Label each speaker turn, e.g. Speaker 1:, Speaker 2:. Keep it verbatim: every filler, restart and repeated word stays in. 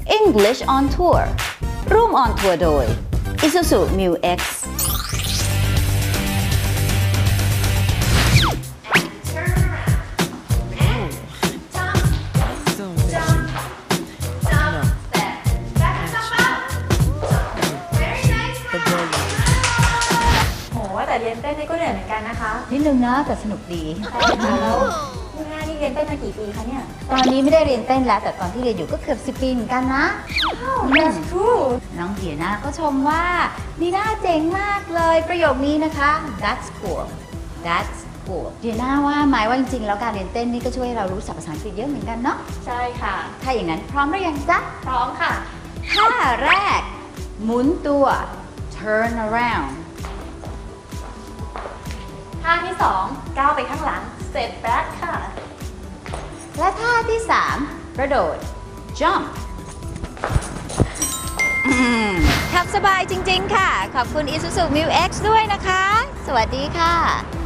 Speaker 1: English on Tour ร่วม on tour โดย Isuzu Mu X
Speaker 2: แต่เรียนเต้นนี่ก็เหนื่อยเหมือนกันนะคะ
Speaker 1: นิดนึงนะแต่สนุกดี
Speaker 2: แล้วคุณแม่นี่เรียนเต้นมากี่ปีคะเนี่ย
Speaker 1: ตอนนี้ไม่ได้เรียนเต้นแล้วแต่ตอนที่เรียนอยู่ก็เกือบสิบปีเหมือนกันนะ
Speaker 2: That's true
Speaker 1: น้องเดียนาก็ชมว่านีน่าเจ๋งมากเลยประโยคนี้นะคะ That's cool That's cool เดียนาว่าหมายว่าจริงๆแล้วการเรียนเต้นนี่ก็ช่วยให้เรารู้ศัพท์ภาษาอังกฤษเยอะเหมือนกันเนาะ
Speaker 2: ใช่ค่ะ
Speaker 1: ถ้าอย่างนั้นพร้อมหรือยังจ๊ะ
Speaker 2: พร้อมค่ะ
Speaker 1: ท่าแรกหมุนตัว turn around
Speaker 2: ท่าที่สองก้าวไปข้างหลัง step back ค่ะ
Speaker 1: และท่าที่สามกระโดด jump ทำสบายจริงๆค่ะขอบคุณ Isuzu Mu X ด้วยนะคะสวัสดีค่ะ